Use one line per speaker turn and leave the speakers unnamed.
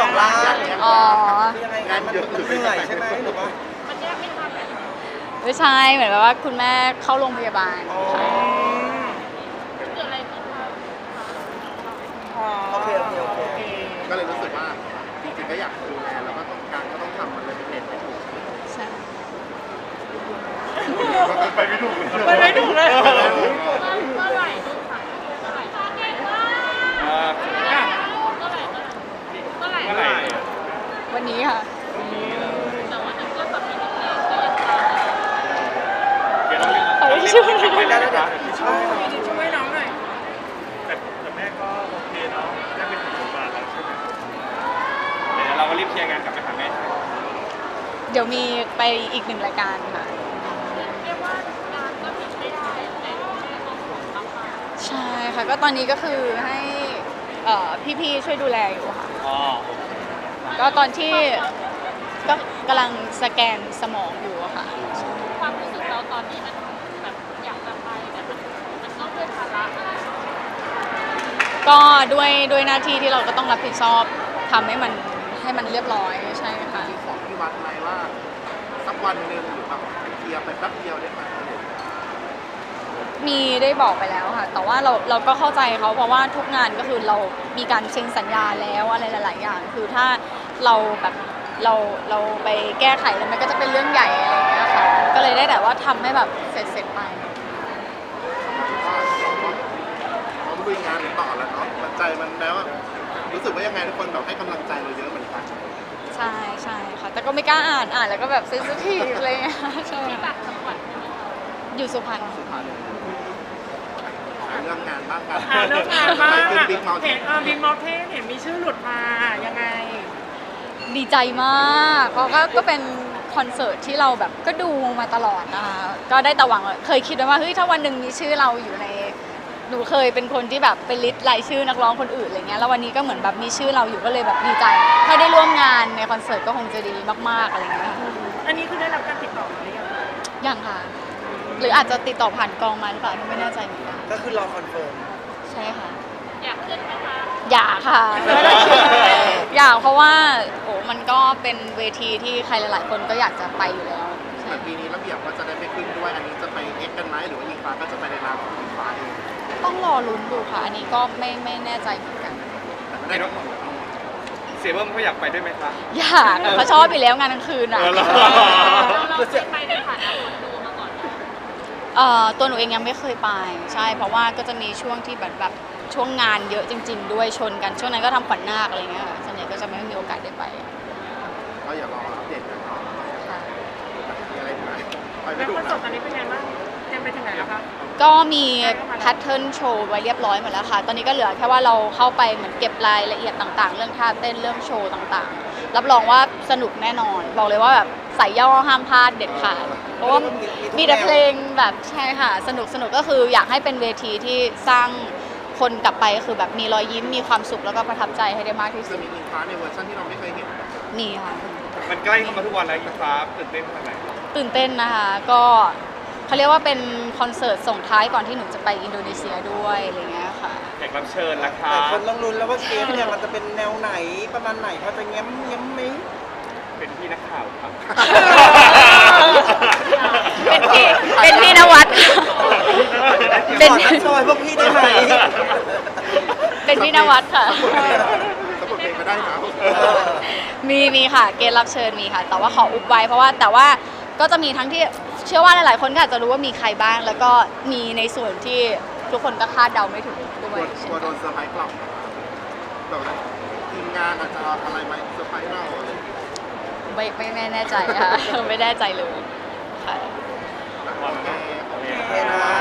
ล้าน
อ๋อ
คือยังไงงานมันเหนื่อยใช่ไหมหรือว่า
ไม่ใช่เหมือนแบบว่าคุณแม่เข้าโรงพยาบาล
อ๋อ
ค่ะ
โอเคโอเคโอเค
ก็เลยรู้สึกว่าจริงๆก็อยากดูแลแล้วก็ต้องการก็ต้องทำมันเลยเป็นเหตุไม่ถูก
ใช่
ไปไม่ถูกเลย
ไปไม่ถูกเลย
วันนี้ค่ะ เอาไปช่วย
ได้แล้วเดี๋ยวช่วย
ช่วยน้องหน่อย
แต่แม่ก็โอเคเนาะได้เป็นถึงบาทแล้วใช่ไหมเดี๋ยวเราก็รีบเคลียร์งานกลับไปหาแม่
เดี๋ยวมีไปอีกหนึ่งรายการค่ะใช่ค่ะก็ตอนนี้ก็คือให้พี่ๆช่วยดูแลอยู่ค่ะ
อ๋อ
ก็ตอนที่ก็กำลังสแกนสมองอยู่อะค่ะ
ความรู้สึกเราตอนนี้มันแบบอยากจะไปแต่มันต้องด้วยภาระอะไร
ก็ด้วยหน้าที่ที่เราก็ต้องรับผิดชอบทำให้มันเรียบร้อยใช่ค่ะ
มีของที่วัดไหมว่าสักวันหนึ่งหรือแบบเคลียร์ไปแป๊บเดียวได้ไหม
มีได้บอกไปแล้วค่ะ แต่ว่าเราก็เข้าใจเขาเพราะว่าทุกงานก็คือเรามีการเซ็นสัญญาแล้วอะไรหลายๆอย่าง คือถ้าเราแบบเราไปแก้ไขแล้วมันก็จะเป็นเรื่องใหญ่อะไรอย่างเงี้ยค่ะ ก็เลยได้แต่ว่าทำให้แบบเสร็จไป
เราลุยงานต่อแล้วเนาะมันใจมันแล้วรู้สึกว่ายังไงทุกคนแบบให้กำลังใจเราเยอะเหมือนกัน
ใช่ใช่ค่ะ แต่ก็ไม่กล้าอ่านแล้วก็แบบเซนซิทีฟอะไรอย่างเงี้ยใช่
ต่า
ค่ะ
งจังหวัดใช่ไหมคะ
อยู่สุพรรณ
เรื่องงานบ้างกัน
เรื่องงานบ้าง
ขึ้นบิ๊กเมาส์
เห็นบิ๊กมอลเทนเห็นมีชื่อหลุดมายังไง
ดีใจมากเพราะก็เป็นคอนเสิร์ตที่เราแบบก็ดูมาตลอดนะคะก็ได้แต่หวังว่าเคยคิดไว้ว่าเฮ้ยถ้าวันหนึ่งมีชื่อเราอยู่ในหนูเคยเป็นคนที่แบบไปลิสต์รายชื่อนักร้องคนอื่นอะไรเงี้ยแล้ววันนี้ก็เหมือนแบบมีชื่อเราอยู่ก็เลยแบบดีใจ ถ้าได้ร่วมงานในคอนเสิร์ตก็คงจะดีมากๆอะไรเงี้ยค่ะ
อันนี้คือได้รับการติดต่อมาหรือยัง
ยังค่ะ หรืออาจจะติดต่อผ่านกองมาหรือเปล่าไม่แน่ใจเหมือนกัน
ก็คือรอคอนเฟิร์ม
ใช่ค่ะ
อยากขึ้นไหมคะ
อยากค่ะไม่ได้คิดอยากเพราะว่าโอ้มันก็เป็นเวทีที่ใครหลายๆคนก็อยากจะไปอยู่แล้ว
เหมือนปีนี้ระเบียบก็จะได้ไปขึ้นด้วยอันนี้จะไปเอ็กกันไหมหรือว่าอีกฟ้าก็จะไปในนามของอีกฟ้าเอง
ต้องรอลุ้นดูค่ะ อันนี้ก็ไม่แน่ใจเหมือนกัน
แต่ไม่ได้ทั้งหมด
เสียเบิ้มเขาอยากไปด้วยไหมคะ
อยากเขาชอบอยู่แล้วงานกลางคืนอ่ะ
เหรอ
เราเคยไปในฐานะคนดูมาก่อนไหม
ตัวหนูเองยังไม่เคยไปใช่เพราะว่าก็จะมีช่วงที่แบบช่วงงานเยอะจริง ๆ ด้วยชนกันช่วงนั้นก็ทำขวัญนาคอะไรเงี้ยค่ะส่วนใหญ่ก็จะไม่มีโอกาสได้ไป
ก็อย่ารออัปเดตกันเนาะ
ค่ะ
มีอะไรอีกไหมไปไม่
แล้ว
ถูก
คอน
นะ
เสิร์ตตอนนี้เป็นไงบ้างเตรียมไปถึงไหนแล้วคะ
ก็มีแพทเทิร์นโชว์ไว้เรียบร้อยหมดแล้วค่ะ ตอนนี้ก็เหลือแค่ว่าเราเข้าไปเหมือนเก็บรายละเอียดต่างๆ เรื่องท่าเต้นเรื่องโชว์ต่างๆ รับรองว่าสนุกแน่นอน บอกเลยว่าแบบใส่ย่อห้ามพลาดเด็ดขาดเพราะว่ามีแต่เพลงแบบใช่ค่ะสนุกก็คืออยากให้เป็นเวทีที่สร้างคนกลับไปก็คือแบบมีรอยยิ้มมีความสุขแล้วก็ประทับใจให้ได้มากที่สุ
จะ
ด
มีอีกฟ้าในเวอร์ชันที่เราไม่เคยเห็น
มีค่ะ
มันใกล้เข้ามาทุกวันแล้วอีฟ้าตื่นเต้นขนาดไหน
ตื่นเต้นนะคะก็เขาเรียกว่าเป็นคอนเสิร์ตส่งท้ายก่อนที่หนูจะไปอินโดนีเซียด้วยอะไรเงี้ยค่ะ
แขกรับเชิญราคา
แต่คนต้องลุ้นแล้วว่าเกมเนี่ยมันจะเป็นแนวไหนประมาณไหนพอจะเงี้ยมไหม
เป็นพี่นักข่าวครับ
เป็นพี่นวัด เป็น
ขอทักซอยพวกพี่ได้ไหม
เป็นพี่นวัดค่ะ
สะกดเพลงก็ได้นะ
มีค่ะเกณฑ์รับเชิญมีค่ะ แต่ว่าขออุบไว้เพราะว่าแต่ว่าก็จะมีทั้งที่เชื่อว่าหลายๆคนก็อาจจะรู้ว่ามีใครบ้าง แล้วก็มีในส่วนที่ทุกคนก็คาดเดาไม่ถึงด้วย
กลัวโดนเซอร์ไพรส์กลับแบบว่าทีมงานอาจจะเอาอะไรมาเซอร์ไพรส์เราอะไรอย่างเงี้ย
ไม่แน่ใจค่ะ ไม่แน่ใจเลยค่ะ
โอเค
โอเคนะ